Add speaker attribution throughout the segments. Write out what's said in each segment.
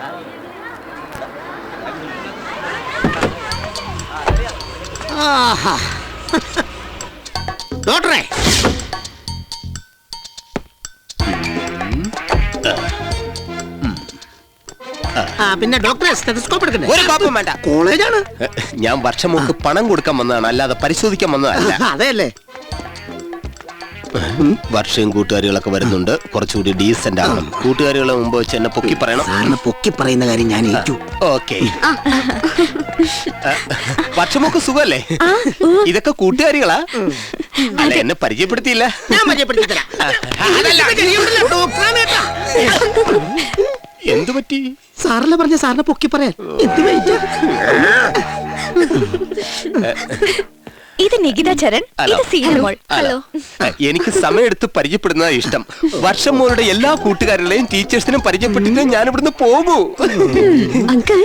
Speaker 1: ഡോക്ടറെ, പിന്നെ ഡോക്ടറെ സ്റ്റെതസ്കോപ്പ് എടുക്കണ്ടേ?
Speaker 2: ഒരു കോപ്പും വേണ്ട.
Speaker 1: കോളേജാണ്.
Speaker 2: ഞാൻ വർഷം മുമ്പ് പണം കൊടുക്കാൻ വന്നതാണ്, അല്ലാതെ പരിശോധിക്കാൻ വന്നതല്ല.
Speaker 1: അതെയല്ലേ?
Speaker 2: വർഷവും കൂട്ടുകാരികളൊക്കെ വരുന്നുണ്ട്, കുറച്ചുകൂടി ഡീസന്റ് ആകണം. കൂട്ടുകാരികളെ മുമ്പ് വെച്ച് എന്നെ പൊക്കി പറയണം.
Speaker 1: സാറിന് പൊക്കി പറയുന്ന കാര്യം ഞാൻ ഏറ്റു.
Speaker 2: ഓക്കെ. വർഷമൊക്കെ സുഖല്ലേ? ഇതൊക്കെ കൂട്ടുകാരികളാ? അല്ല, എന്നെ പരിചയപ്പെടുത്തിയില്ല.
Speaker 1: ഞാൻ പരിചയപ്പെടുത്തി തരാം.
Speaker 2: എന്തു പറ്റി?
Speaker 1: സാറല്ലേ പറഞ്ഞ സാറിനെ പൊക്കി പറയാൻ. എന്ത് വെയിറ്റ്?
Speaker 3: ഇത് നികിത ചരൺ, ഇത് സീന മോൾ. ഹലോ.
Speaker 2: എനിക്ക് സമയമെടുത്ത് പരിചയപ്പെടുന്നതാ ഇഷ്ടം. വർഷം മോളുടെ എല്ലാ കൂട്ടുകാരുടെയും ടീച്ചേഴ്സിനും പരിചയപ്പെട്ടിട്ട് ഞാൻ ഇവിടുന്ന് പോകൂ.
Speaker 3: അങ്കിൾ.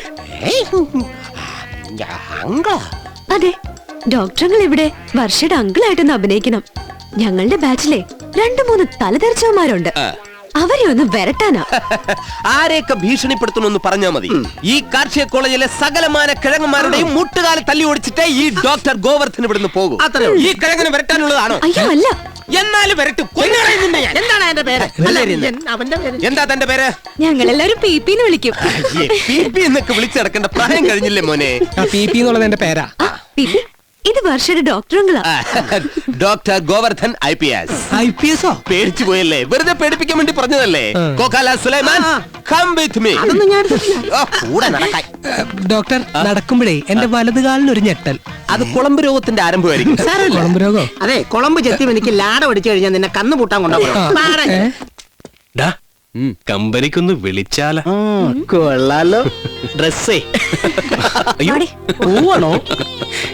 Speaker 3: അതെ, ഡോക്ടറുകൾ ഇവിടെ വർഷയുടെ അങ്കിളായിട്ടൊന്ന് അഭിനയിക്കണം. ഞങ്ങളുടെ ബാച്ചിലെ 2-3 തലതെറിച്ചവന്മാരുണ്ട്. അവരെ ഒന്ന് വരട്ടാനാ.
Speaker 2: ആരെയൊക്കെ ഭീഷണിപ്പെടുത്തണമെന്ന് പറഞ്ഞാൽ മതി. ഈ കാർഷിക കോളേജിലെ സകലമാന കിഴങ്ങന്മാരുടെയും മുട്ടുകാലം തല്ലി ഓടിച്ചിട്ടേ ഈ ഡോക്ടർ ഗോവർദ്ധൻ ഇവിടുന്ന് പോകും. ഈ കിഴങ്ങിന് വരട്ടാനുള്ളതാണോ?
Speaker 3: അയ്യോ അല്ല.
Speaker 2: എന്നാലും വരട്ടും.
Speaker 1: എന്താണ് എന്റെ പേര്? അവന്റെ പേര്
Speaker 2: എന്താ തന്റെ പേര്?
Speaker 3: ഞങ്ങളെല്ലാരും PP എന്ന് വിളിക്കും.
Speaker 2: PP എന്നൊക്കെ വിളിച്ചിടക്കേണ്ട പ്രായം കഴിഞ്ഞില്ലേ മോനെ?
Speaker 4: PP എന്നുള്ളത് എന്റെ പേരാ.
Speaker 3: ഇത് വർഷയുടെ ഡോക്ടറുകളാ.
Speaker 2: Doctor Govardhan IPS.
Speaker 4: IPS ഓ?
Speaker 2: പേടിച്ചു പോയല്ലേ? വെറുതെ പേടിപ്പിക്കാൻ വേണ്ടി പറഞ്ഞതല്ലേ? കോക്കാല സുലൈമാൻ, come with me. കൂടെ നടക്കാൻ.
Speaker 4: ഡോക്ടർ, നടക്കുമ്പോഴേ എന്റെ വലത് കാലിന് ഒരു ഞെട്ടൽ.
Speaker 2: അത് കുളമ്പ് രോഗത്തിന്റെ ആരംഭമായിരിക്കും.
Speaker 4: കുളമ്പ് രോഗോ?
Speaker 1: അതെ, കുളമ്പ് ചെത്തി എനിക്ക് ലാട പിടിച്ചു കഴിഞ്ഞാൽ നിന്നെ കന്നു പൂട്ടാൻ കൊണ്ടുപോകും.
Speaker 5: കമ്പനിക്കൊന്ന് വിളിച്ചാലോ?
Speaker 1: കൊള്ളാലോ. ഡ്രസ്സേ
Speaker 4: പോവാണോ?